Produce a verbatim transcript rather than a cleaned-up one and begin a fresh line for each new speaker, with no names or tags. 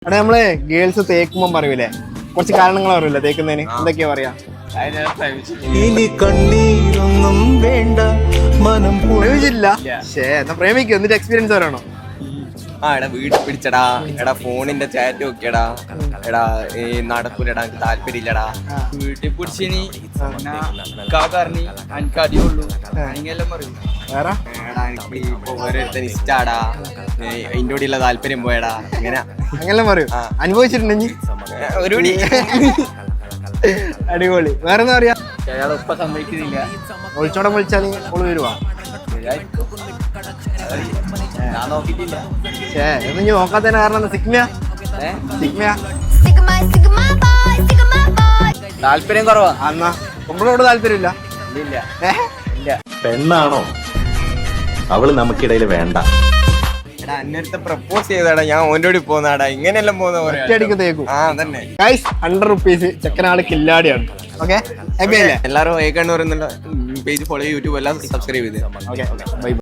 അവിടെ നമ്മള് ഗേൾസ് തേക്കുമ്പോ പറയൂലേ, കുറച്ച് കാരണങ്ങൾ പറയൂലേ തേക്കുന്നതിന്, എന്തൊക്കെയാ പറയാ?
ഇനി കണ്ണീരൊന്നും വേണ്ട, മനം
പ്രേമിച്ചില്ല. ശേ, എന്നാ പ്രേമിക്കും. എന്നിട്ട് എക്സ്പീരിയൻസ് പറയണോ?
ആ എടാ വീട്ടിൽ പിടിച്ചടാ, എടാ ഫോണിന്റെ ചാറ്റ് നോക്കിയടാ, എടാ ഈ നടക്കൂലടാ, എനിക്ക് താല്പര്യമില്ലടാ,
വീട്ടിൽ പിടിച്ചിനി കാറിനി എനിക്ക് അടിയുള്ളൂ അങ്ങനെല്ലാം പറയും.
വേറെ
എടാ എനിക്ക് ഇപ്പൊ ഓരോരുത്തർ ഇഷ്ടാടാ, അതിന്റെ കൂടെയുള്ള താല്പര്യം പോയടാ, ഇങ്ങനെ
അങ്ങനെല്ലാം പറയൂ. അനുഭവിച്ചിട്ടുണ്ടെങ്കിൽ
ഒരു കൂടി
അടിപൊളി. വേറെ എന്താ പറയാ?
അയാൾ ഇപ്പൊ സമ്മതിക്കുന്നില്ല.
ഒളിച്ചോടം വിളിച്ചാല് ഓള് വരുവാ.
ഞാൻ നോക്കിട്ടില്ല.
ശേ, എന്ന് ഇനി നോക്കാത്തതിന് കാരണം എന്താ? സിഗ്മയാ സിഗ്മയാ
താല്പര്യം കുറവാ.
എന്നാ നമ്മളോട് താല്പര്യമില്ല.
ഇല്ല
ഏഹ്
പെണ്ണാണോ അവള് നമുക്കിടയിൽ വേണ്ട.
എടാ അന്നേരത്തെ പ്രപ്പോസ് ചെയ്തടാ, ഞാൻ ഓൻ്റെ കൂടി പോന്നാടാ, ഇങ്ങനെയെല്ലാം പോകുന്ന പോലെ
ഒറ്റയടിക്ക് തേക്കും.
ആ തന്നെ.
ഗൈസ്, ഹൺഡ്രഡ് റുപ്പീസ് ചെക്കനാള് കില്ലാടിയാണ്. ഓക്കെ, ഹാപ്പി അല്ലേ?
എല്ലാവരും ഏകണ്ണൂർ എന്നുള്ള പേജ് ഫോളോ യൂട്യൂബ് എല്ലാം സബ്സ്ക്രൈബ് ചെയ്ത്.
Okay, by.